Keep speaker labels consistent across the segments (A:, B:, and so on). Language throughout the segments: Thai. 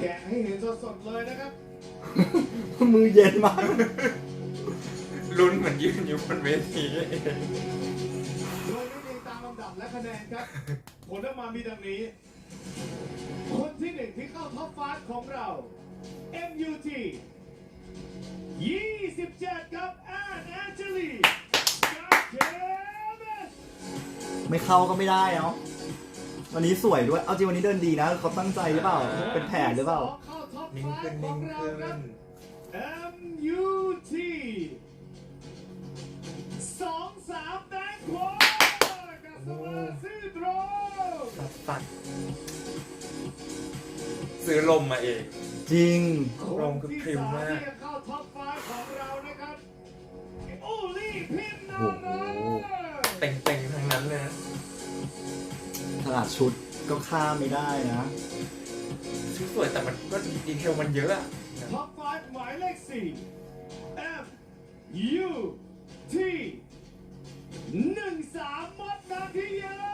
A: แกะให้เห็นสดๆเลยนะครับ
B: มือเย็นมาก
C: ลุ้นเหมือนยืนอยู่บนเวที
A: โดยไม่ได้ตามลำดับและคะแนนครับ ผลออกมามีดังนี้ คนที่หนึ่งที่เข้าท็อป5ของเรา MUT 27 ครับแอนแอนเจลีกับเคเบส
B: ไม่เข้าก็ไม่ได้เนาะวันนี้สวยด้วย เอาจริงวันนี้เดินดีนะเขาตั้งใจหรือเปล่า เป็นแผนหรือเปล่า
A: เข้าท็อป
C: นิ่งขึ้น
A: 5ขอ
C: นิ่
A: ง
C: ง
A: เรา
C: ขึ้
A: ครับ
C: น
A: MUT 23 แตงโมกับสมาซิโดร
C: ตัดซื้อลมมาเอง
B: จริง
C: ลมคือพริ้วมาก
A: ที่เข้าท็อป5ของเรานะครับอูลี่พินนา
B: โอ้
A: โร
B: โห
C: เต็งๆทั้งนั้นเลยนะ
B: ขนาดชุดก็ข้ามไม่ได้นะ
C: ชุดสวยแต่มันก็ดีเทลมันเยอะอะ
A: ท็อป5หมายเลข4 F U T 13 มดนาทีเยอะ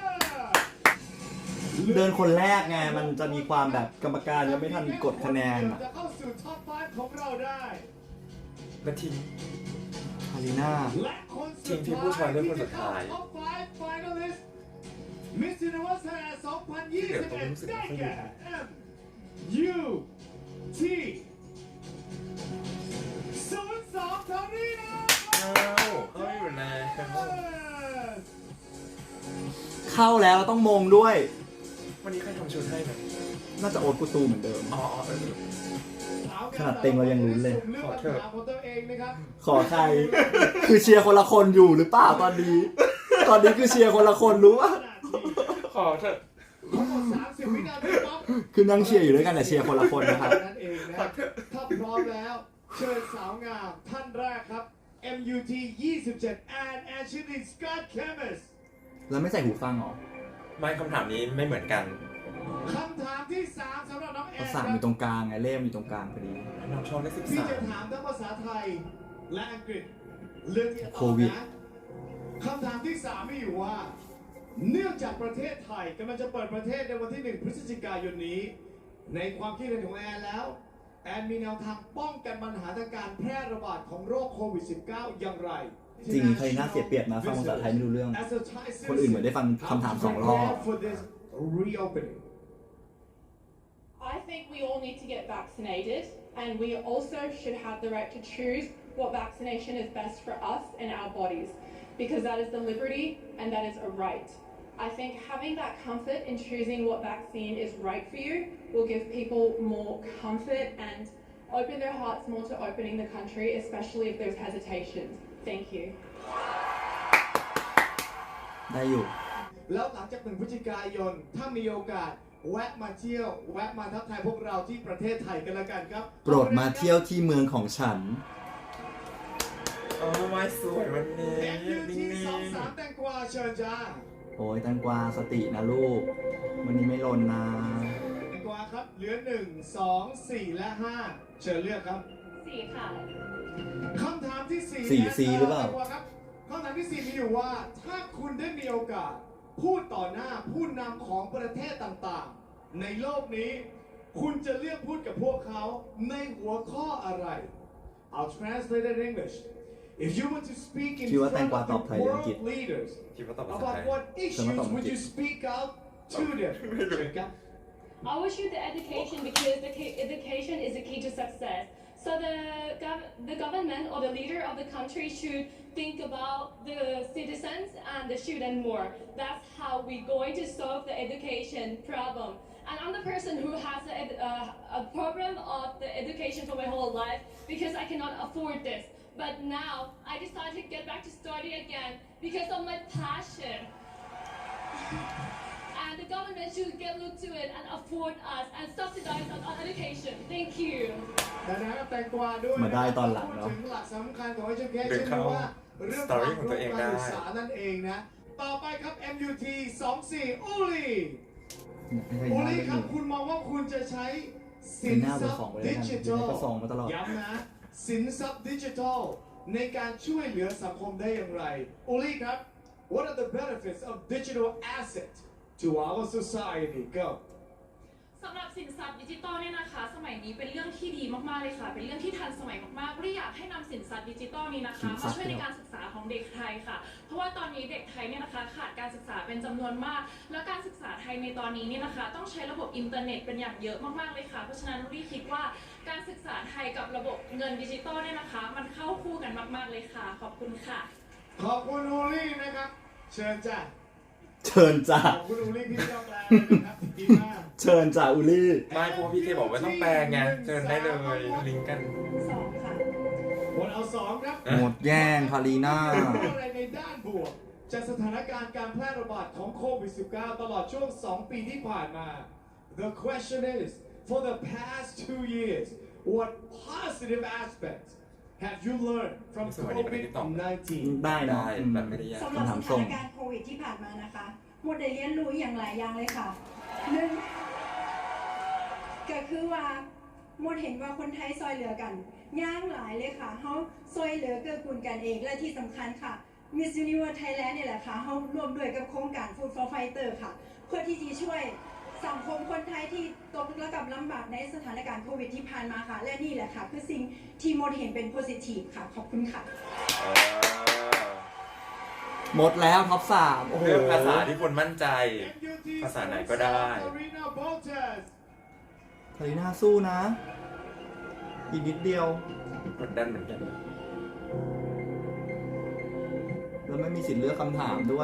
B: เดินคนแรกไง มันจะมีความแบบกรรมการยังไม่ทันกดคะแนนอะ
A: จะเข้าสู่ท็อป5ของเราได้
C: แล้วทิ้ง
B: คาริน่า
A: และคนสุ
C: ที
A: ด
C: มที่ผู้ชายเลือกคนสุดท้าย
A: ท็อป5 finalist Miss Universe Thailand 2021 ได้แก่ M U T 02 ทารีนา
C: อ้าวเขาอยู่ใน
B: เข้าแล้วต้องมงด้วย
C: วันนี้ใครทำชุดให้นะ
B: น่าจะโอ๊ตกูตูเหมือนเดิม
C: อ๋อเออ
B: ขนาดเต็งเรายังลุ้นเลย
A: ขอเถอะของตัวเองนะครับ
B: ขอใคร คือเชียร์คนละคนอยู่หรือเปล่าตอนนี้ ตอนนี้คือเชียร์คนละคนรู้ป่ะ
C: ขอเถอะ
A: ทั้งหมด30 วินาทีปั๊บ
B: คือนั่งเชียร์อยู่ด้วยกันแต่เชียร์คนละคนนะครับ
A: นั่นเองนะถ้าพร้อมแล้ว เชิญสาวงามท่านแรกครับ MUT 27 and Ashley Scott Chemist
B: แล้วไม่ใส่หูฟังเหรอ
C: ไม่คำถามนี้ไม่เหมือนกัน
A: คำถามที่ 3สำหรับน้องแอ
B: ภาน
A: ค
B: ษา
A: รั
B: อยู่ตรงกลางไงเล่มอยู่ตรงกลางพอดี
C: น้องชอบเลข
A: พี่จะ
C: 13
A: ถามทั้งภาษาไทยและอังกฤษเรื่องที่จะต
B: โค
A: อบ
B: วิด
A: นะคำถามที่ 3 มีอยู่ว่า เนื่องจากประเทศไทยกำลังจะเปิดประเทศในวันที่ 1 พฤศจิกายนนี้ ในความคิดเห็นของแอนแล้ว แอนมีแนวทางป้องกันปัญหาทางการแพร่ระบาดของโรคโควิด -19 อย่างไร
B: จริงคาริน่าเสียเปรียบนะฟังภาษาไทยไม่รู้เรื่อง คนอื่นเหมือนได้ฟังคำถาม2 รอบ
D: I think we all need to get vaccinated, and we also should have the right to choose what vaccination is best for us and our bodies, because that is the liberty and that is a right. I think having that comfort in choosing what vaccine is right for you will give people more comfort and open their hearts more to opening the country, especially if there's hesitations. Thank you.
B: ได้อยู่
A: แล้วหลังจาก1 พฤศจิกายน ถ้ามีโอกาสแวะมาเที่ยว แวะมาทักทายพวกเราที่ประเทศไทยกันละกันครับ
B: โปรดมาเที่ยวที่เมืองของฉัน
C: อ๋อไม้สวยวันนี้
A: MUT 23 แตงกวาเชิญจ้า
B: โอ้ยแตงกวาสตินะลูก วันนี้ไม่หล่นนะ
A: แตงกวาครับ เหลือ 1 2 4 และ 5 เชิญเลือกครับ
D: 4 ค่ะ
A: คำถามที่4
B: 4C หรือเปล่า
A: ครับคำถามที่ 4 มีอยู่ว่า ถ้าคุณได้มีโอกาส พูดต่อหน้าผู้นำของประเทศต่างๆ ในโลกนี้ คุณจะเลือกพูดกับพวกเขาในหัวข้ออะไร I'll translate it in English If you want to speak in
B: คิดว่าแตง
A: front
B: กวา
A: of
B: ตอบไทยหรืออังกฤษ
A: world leaders
C: คิดว่าตอบภาษาไท
A: about
C: ย
A: what issues
B: ตอบอัง
A: would
B: กฤษ
A: you speak out to them เชิญครับ
D: I would choose the education because education is the key to success. So the government or the leader of the country should think about the citizens and the student more. That's how we're going to solve the education problem. And I'm the person who has a problem of the education for my whole life because I cannot afford this. But now I decided to get back to study again because of my passion. And the government should get look to it and afford us and subsidize our education. Thank you.
A: ดังนั้นแตงกวาด้วย
B: มาได้ตอนหลังเนอะ
A: พูดถึงหลักสำคัญของ education
C: หรือเข้า
A: ว่าเรื่อง
C: story
A: ความ
C: ของตัวเอง
A: รู้
C: ได้
A: การศึกษานั่นเองนะ ต่อไปครับ MUT 24 อูลี
B: ไม่
A: อู
B: ใช่
A: ลี
B: หน้า
A: ครับ
B: หนึ่ง
A: คุณมองว่าคุณจะใช้สิ
B: เป็น
A: น
B: หน้า
A: ท
B: เบอ
A: รั
B: ร์
A: พ
B: สอง
A: ย์
B: ไปเลย
A: ดิ
B: กัน
A: จิ
B: เดี๋ยว
A: ทัล
B: ก็ส่งมาตลอด
A: ย้ำนะ สินทรัพย์ดิจิทัลในการช่วยเหลือสังคมได้อย่างไร อูลีครับ What are the benefits of digital asset to our society? Go.
E: สำหรับสินทรัพย์ดิจิตอลเนี่ยนะคะสมัยนี้เป็นเรื่องที่ดีมากๆเลยค่ะเป็นเรื่องที่ทันสมัยมากๆรีอยากให้นำสินทรัพย์ดิจิตอลนี้นะคะมาช่วยในการศึกษาของเด็กไทยค่ะเพราะว่าตอนนี้เด็กไทยเนี่ยนะคะขาดการศึกษาเป็นจำนวนมาก และการศึกษาไทยในตอนนี้เนี่ยนะคะต้องใช้ระบบอินเทอร์เน็ตเป็นอย่างเยอะมากๆเลยค่ะเพราะฉะนั้นรีคิดว่าการศึกษาไทยกับระบบเงินดิจิตอลเนี่ยนะคะมันเข้าคู่กันมากๆเลยค่ะขอบคุณค่ะ
A: ขอบคุณอูลี่นะครับ เชิญจ้ะ
B: เชิญจ้า
A: ขอบคุณอูลี่ที่ยอมแปลเลยนะครับดีมาก
B: เชิญจ้าอุลี่
C: ไม่เพราะว่าพี่เคบอกว่าต้องแปลไงเชิญได้เลยลิงก์กัน
E: 2 ค่ะ
A: คนเอาสองครับ
B: หมดแย่งคารีน่า
A: พูดอะไรในด้านบวกจากสถานการณ์การแพร่ระบาดของโควิด -19 ตลอดช่วง 2 ปีที่ผ่านมา The question is for the past 2 years what positive aspects have you learned from
C: สวัสดีประเด็นที่ตอบ
A: COVID-19
B: ได้เนอะ
C: ได้
B: อืม
C: แบบไม่ได้ยาก
F: สำหรับสถานการณ์โควิดที่ผ่านมานะคะหมดได้เรียนรู้อย่างหลายอย่างเลยค่ะหนึ่งก็คือว่าหมดเห็นว่าคนไทยซอยเหลือกันย่างหลายเลยค่ะเขาซอยเหลือเกื้อกูลกันเองและที่สำคัญค่ะ Miss Universe Thailand เนี่ยแหละค่ะเขาร่วมด้วยกับโครงการ Food for Fighter ค่ะ เพื่อที่จะช่วยสังคมคนไทยที่ตกระกับลำบากในสถานการณ์โควิดที่ผ่านมาค่ะ และนี่แหละค่ะคือสิ่งที่หมดเห็นเป็น positive ค่ะขอบคุณค่ะ
B: หมดแล้วท็อป3โอ้โห
C: เลือกภาษาที่คนมั่นใจ ภาษาไหนก็ได้
A: Karina Boltes
B: คารีน่าสู้นะ อีกนิดเดียว
C: กดดันเหมือนกัน
B: แล้วไม่มีสิทธิ์เลือกคำถามด้วย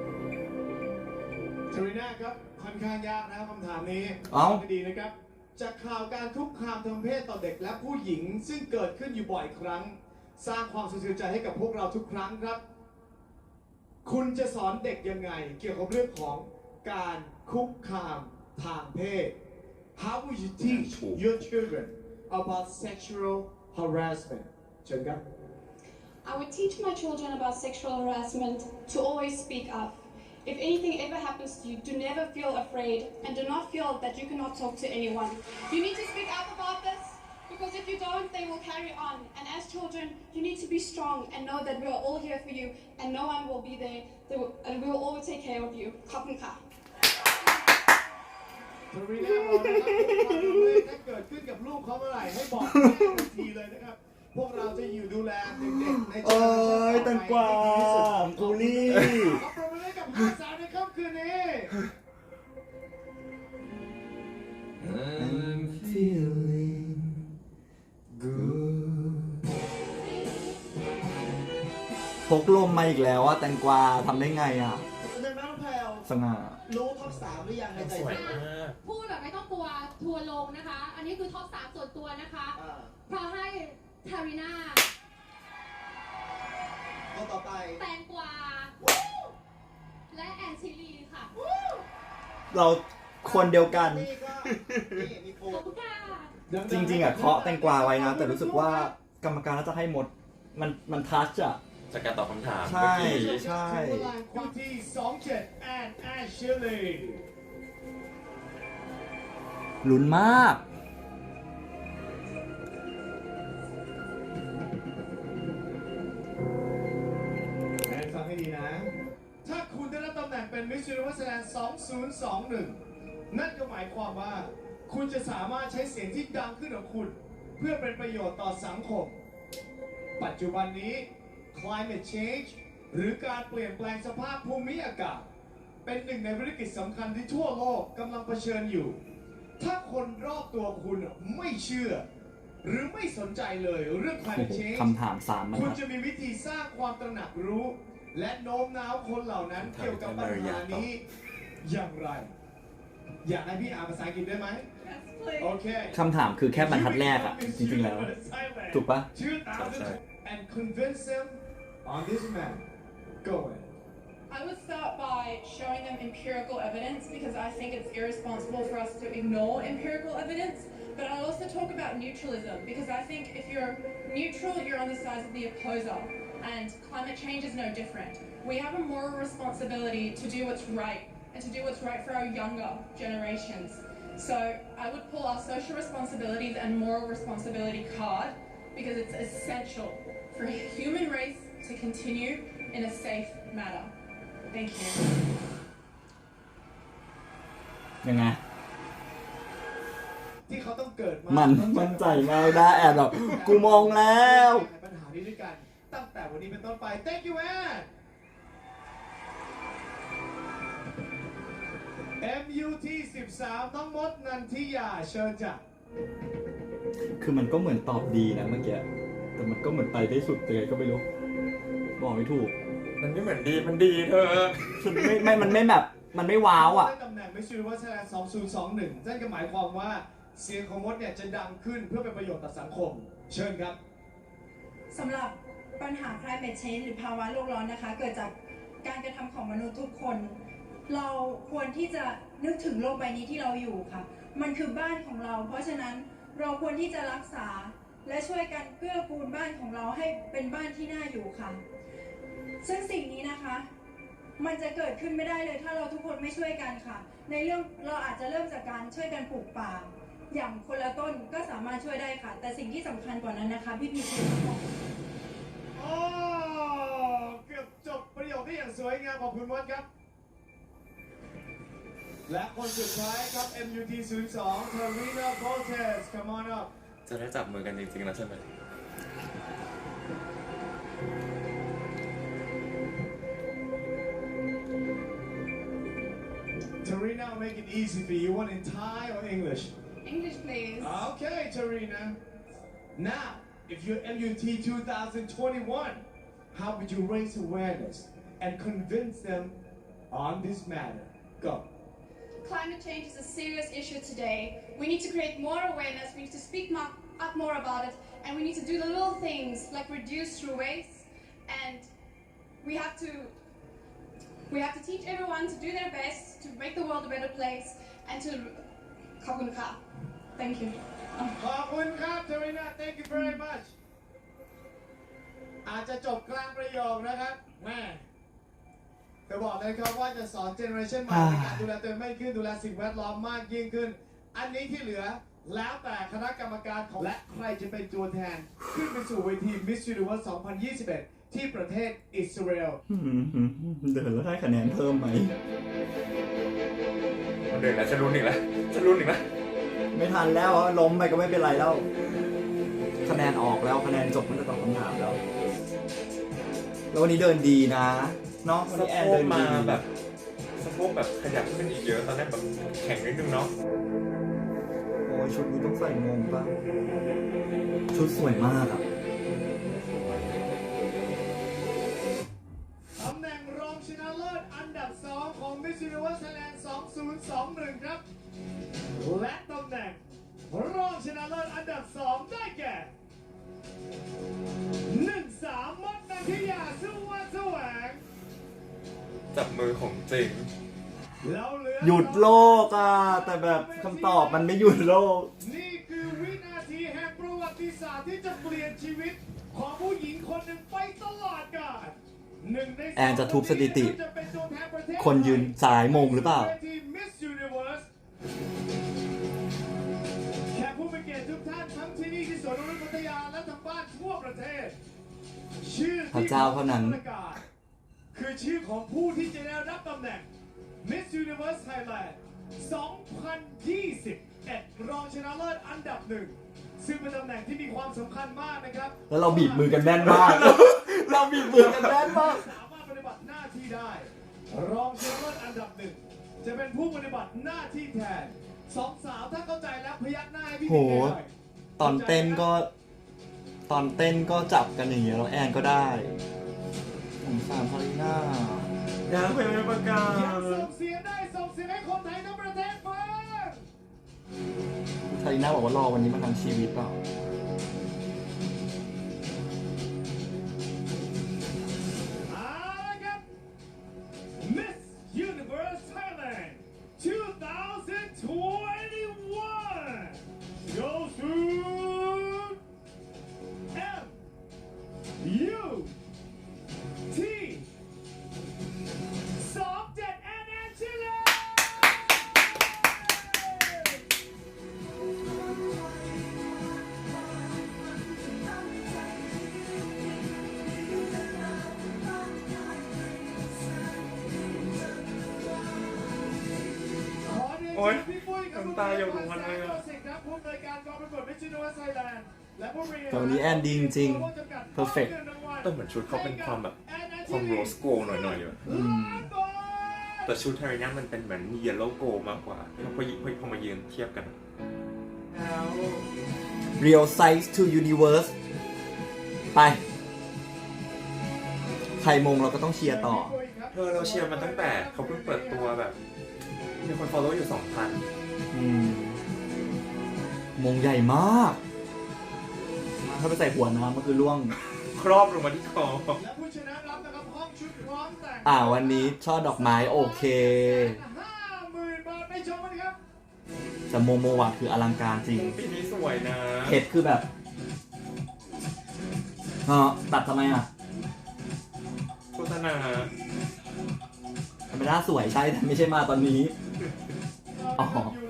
A: ทรีน่าครับค่อนข้างยากนะครับคำถามนี้
B: เอ้า
A: ฟังดีๆนะครับ จากข่าวการคุกคามทางเพศต่อเด็กและผู้หญิงซึ่งเกิดขึ้นอยู่บ่อยครั้ง สร้างความสะเทือนใจให้กับพวกเราทุกครั้งครับ คุณจะสอนเด็กยังไง เกี่ยวกับเรื่องของการคุกคามทางเพศ How would you teach your children about sexual harassment เชิญครับ
D: I would teach my children about sexual harassment to always speak up. If anything ever happens to you, do never feel afraid and do not feel that you cannot talk to anyone. You need to speak up about this because if you don't, they will carry on. And as children, you need to be strong and know that we are all here for you and no one will be there and we will always take care of you. ขอบคุณค่ะ
A: ทรีน่าบอกนะครับความรุนแรงถ้าเกิดขึ้นกับลูกเขาเมื่อไหร่ให้บอกแม่ทันทีเลยนะครับ พวกเราจะอยู่ดูแลเด็กๆใน
B: เอ้ยแตงกวากูลี่
A: ขอปรบมือให้กับห้าสาวในค่ำคืนนี้
B: I'm feeling good พกลมมาอีกแล้วอะแตงกวาทำได้ไงอะ
G: หนึ่งน้องแพลว
B: สง่า
G: รู้ท็อป3หรือยังในใจ
C: สวย
G: เธอ
C: มาก
H: พูดแบบไม่ต้องกลัวทัวร์ลงนะคะ อันนี้คือท็อป3ส่วนตัวนะคะ
G: อ่า
H: เพราะให้ทาริน่า
G: คนต่อไป
H: แตงกวา และแอนชิลีค่ะ
B: เราคนเดียวกัน
G: นี่ก็นี่มีโฟ
H: ขอบคุณค่ะ
B: จริงๆอะเคาะแตงกวาไว้นะ แต่รู้สึกว่ากรรมการน่าจะให้หมด มันทัชอะ
C: จากการตอบคำถาม
B: ใช่
C: เมื่อกี้
B: ใช่
A: ถึงเวลาคู่ที่27 and Ashley
B: ลุ้นมาก
A: แอนฟังให้ดีนะ ถ้าคุณได้รับตำแหน่งเป็น Miss Universe Thailand 2021 นั่นก็หมายความว่า คุณจะสามารถใช้เสียงที่ดังขึ้นของคุณ เพื่อเป็นประโยชน์ต่อสังคม ปัจจุบันนี้ climate change หรือการเปลี่ยนแปลงสภาพภูมิอากาศ เป็นหนึ่งในวิกฤตสำคัญที่ทั่วโลกกำลังเผชิญอยู่ ถ้าคนรอบตัวคุณไม่เชื่อ หรือไม่สนใจเลยเรื่อง
B: โอ้
A: climate
B: โห
A: change
B: คำถาม3มัน
A: คุณ
B: ทัด
A: จะมีวิธีสร้างความตระหนักรู้ และโน้มน้าวคนเหล่านั้นเกี่ยวกับปัญหานี้อย่างไร อยากให้พี่อ่านภาษาอังกฤษได้ไหม โอเค
B: คำถามคือแค่บรรทัดแรกอะจริงๆแล้ว ถูกปะ
A: and convince them on this man go ahead
I: I would start by showing them empirical evidence because I think it's irresponsible for us to ignore empirical evidence. But I also talk about neutralism because I think if you're neutral, you're on the side of the opposer. And climate change is no different. We have a moral responsibility to do what's right and to do what's right for our younger generations. So I would pull our social responsibilities and moral responsibility card because it's essential for the human race to continue in a safe manner. Thank you.
B: ยังไง
A: ต้องเกิดมา
B: มันมั่นใจมากได้แอนแบบกูมองแล้ว
A: ปัญหานี้ด้วยกันตั้งแต่วันนี้เป็นต้นไป thank you Ann MUT 13น้องมดนันทิยาเชิญจ้ะ
B: คือมันก็เหมือนตอบดีนะเมื่อกี้แต่มันก็เหมือนไปได้สุดเลยก็ไม่รู้บอกไม่ถูก
C: มันไม่เหมือนดี มันดีเธอ
B: มันไม่แบบมันไม่ว้าวอ่ะ
A: ได้ตำแหน่ง Miss Universe Thailand 2021 นั่นก็หมายความว่าเสียงของมดเนี่ยจะดังขึ้นเพื่อเป็นประโยชน์ต่อสังคม เชิญครับ
F: สำหรับปัญหา climate change หรือภาวะโลกร้อนนะคะ เกิดจากการกระทำของมนุษย์ทุกคน เราควรที่จะนึกถึงโลกใบนี้ที่เราอยู่ค่ะ มันคือบ้านของเรา เพราะฉะนั้นเราควรที่จะรักษาและช่วยกันเกื้อกูลบ้านของเราให้เป็นบ้านที่น่าอยู่ค่ะ ซึ่งสิ่งนี้นะคะ มันจะเกิดขึ้นไม่ได้เลยถ้าเราทุกคนไม่ช่วยกันค่ะ ในเรื่องเราอาจจะเริ่มจากการช่วยกันปลูกป่า อย่างคนละต้นก็สามารถช่วยได้ค่ะ แต่สิ่งที่สำคัญกว่านั้นนะคะพี่พีชีบอก
A: โอ้เกือบจบประโยคได้อย่างสวยงามขอบคุณมดครับ และคนสุดท้ายครับ MUT 02 Tarina Voltes come on up
C: จะได้จับมือกันจริงๆนะใช่ไหม
A: Tarina, I'll make it easy for you. You want in Thai or English?
H: English, please.
A: Okay, Tarina. Now, if you're MUT 2021, how would you raise awareness and convince them on this matter? Go.
H: Climate change is a serious issue today. We need to create more awareness, we need to speak up more about it, and we need to do the little things like reduce through waste, and we have to teach everyone to do their best to make the world a better place and to Thank you.
A: ขอบคุณครับ Tarina. Thank you very much. อาจจะจบกลางประโยคนะครับแม่จะบอกเลยครับว่าจะสอนเจเนอเรชันใหม่ในการดูแลตัวเองมากขึ้นดูแลสิ่งแวดล้อมมากยิ่งขึ้น อันนี้ที่เหลือแล้วแต่คณะกรรมการของและใครจะเป็นตัวแทนขึ้นไปสู่เวที Miss Universe 2021 ที่ประเทศอิสราเอล
B: เดินแล้วได้คะแนนเพิ่มไหม
C: เดินแล้วฉันลุ้นอีกแล้วฉันลุ้นอีกแล้ว
B: ไม่ทันแล้วล้มไปก็ไม่เป็นไรแล้ว คะแนนออกแล้วคะแนนจบมันจะตอบคำถามแล้ว แล้ววันนี้เดินดีนะเนาะวัน
C: สะ
B: นี้แอ
C: โพ
B: นเดิ
C: ก
B: น
C: มา
B: ดี
C: แบบสะโพกแบบขยับขึ้นอีกเยอะตอนแรกแบบแข็งนิดนึงเนาะ
B: โอ้ยชุดนี้ต้องใส่มงป่ะชุดสวยมากอ่ะ
A: ตำแหน่งรองชนะเลิศอันดับ 2 ของ Miss Universe Thailand 2021 ครับ และตำแหน่งรองชนะเลิศอันดับ 2 ได้แก่ 1-3 มดนันทิยาสุวรรณแสวง
C: จับมือของจริง
A: แล้วเหลือ
B: หยุดโลกอ่ะแต่แบบคำตอบมันไม่หยุดโลก
A: นี่คือวินาทีแห่งประวัติศาสตร์ที่จะเปลี่ยนชีวิตของผู้หญิงคนหนึ่งไปตลอดกาล
B: แอนจะทุบสถิติ คนยืนสายมงหรือเปล่า
A: Miss Universe แขกผู้มีเกียรติทุกท่านทั้งที่นี่ที่สวนนกนุษย์พัทยาและทางบ้านทั่วประเทศ ชื่อ
B: พระเจ้าเท่านั้น
A: ประกาศคือชื่อของผู้ที่จะได้รับตำแหน่ง Miss Universe Thailand 2021 รองชนะเลิศอันดับ 1 ซึ่งเป็นตำแหน่งที่มีความสำคัญมากนะครับ
B: แล้วเราบีบมือกันแน่นมาก เราบีบมือกันแน่นมาก
A: สามารถปฏิบัติหน้าที่ได้ รองชนะเลิศอันดับ 1 จะเป็นผู้ปฏิบัติหน้าที่แทนสองสาวถ้าเข้าใจแล้วพยักหน้าให้พี่
B: โห
A: หน่อย
B: ตอนเต้นก็จับกันอย่างเงี้ยแล้วแอนก็ได้สงสารพอลิน่า
C: อยากเป็นประกา
A: อยาก
C: ศ
A: ส่งเสียงได้ส่งเสียงให้คนไทยทั้งประเทศฟัง
B: พอลิน่าบอกว่ารอวันนี้มาทั้งชีวิตเปล่า
A: เอาละครับ Miss Universe Thailand 2021 goes to MUT 27 and Angela
C: โอ๊ย
A: พี่ปุ้ยกับ
C: น้ำตาหยดลงมาเลยอะ
A: ครับผู้อำนวยการการกองประกวด Miss Universe Thailand และผู้บริหาร
B: แต่วันนี้แอนดีจริงๆ perfect
C: แต่เหมือนชุดเขาเป็นความแบบความโรสโกหน่อยๆอะ
B: อืม
C: แต่ชุดไทยเนี่ยมันเป็นเหมือนเยลโล่โกมากกว่าพอมายืนเทียบกัน
B: Real Size to Universe ไป ใครมงเราก็ต้องเชียร์ต่อ
C: เราเชียร์มันตั้งแต่เขาเพิ่งเปิดตัวแบบ มีคน follow อยู่ 2,000
B: อืม มงใหญ่มาก ถ้าไปใส่หัวน้ำมันคือล่วง
C: ครอบลงมาที่คอ
A: และผู้ชนะรับนะครับห้องชุดพร้อมแต่ง
B: วันนี้ช่อดอกไม้โอเค
A: 50,000 บาทไปชมกันครับ
B: แต่โมโมวะคืออลังการจริง
C: ปีนี้สวยนะ
B: เพชรคือแบบตัดทำไมอ่ะ
C: โฆษณา
B: ธรรมดาสวยใช่แต่ไม่ใช่มาตอนนี้ อ๋อ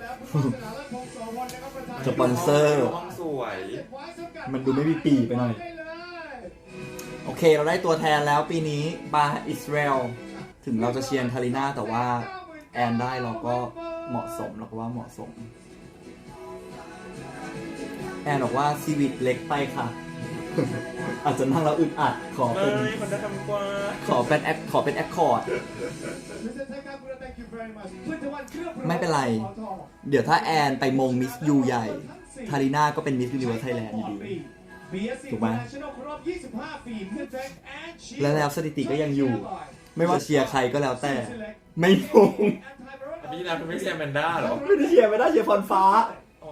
B: สปอนเซอร์
C: ห้องสวย
B: มันดูไม่มีปีไปหน่อย โอเค เราได้ตัวแทนแล้วปีนี้บาอิสราเอลถึงเราจะเชียร์ทาริน่าแต่ว่าแอนได้เราก็เหมาะสมเราก็ว่าเหมาะสม แอนบอกว่าซีวิตเล็กไปค่ะ อาจจะนั่งแล้วอึดอัดขอเป็น
C: ไม่คนจะทำกว่า
B: ขอเป็นแอคคอร์ด ไม่เป็นไร เดี๋ยวถ้าแอนไปมงมิสยูใหญ่ ทาริน่าก็เป็นมิสยูนิเวิร์สไทยแลนด์อยู่ดี ถูกไหม แล้วสถิติก็ยังอยู่ ไม่ว่าเชียร์ใครก็แล้วแต่ ไม่มง
C: พี่นาคุณไม่เชียร์แมนด้าเหรอ
B: ไม่ได้เชียร์ไม่ได้เชียร์พรฟ้า
C: อ๋อ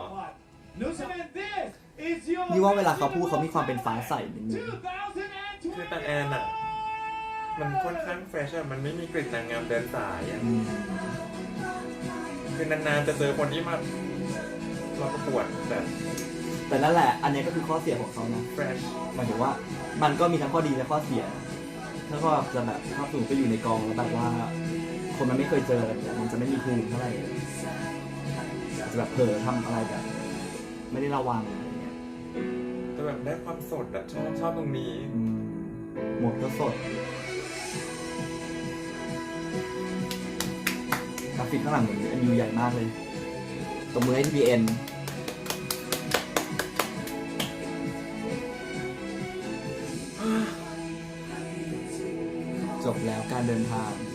B: นี่ว่าเวลาเขาพูดเขามีความเป็นฟ้าใสนิดนึง
C: คือแต่แอนอะมันค่อนข้างเฟรชอะมันไม่มีกลิ่นนางงามเดินสายอะ
B: อืม
C: คือนานๆจะเจอคนที่มาประกวดแบบ
B: แต่นั่นแหละ อันนี้ก็คือข้อเสียของเขานะ
C: เฟรช
B: หมายถึงว่ามันก็มีทั้งข้อดีและข้อเสีย ถ้าก็จะแบบถ้าสูงไปอยู่ในกองแล้วแบบว่า คนมันไม่เคยเจอเนี่ยมันจะไม่มีภูมิเท่าไหร่อาจจะแบบเผลอทำอะไรแบบ ไม่ได้ระวังอะไรเงี้ย
C: แต่แบบได้ความสดอะชอบตรงนี้
B: อืมหมดก็สดกราฟิกข้างหลังเหมือนMUใหญ่มากเลยตบมือให้ TPN จบแล้วการเดินทาง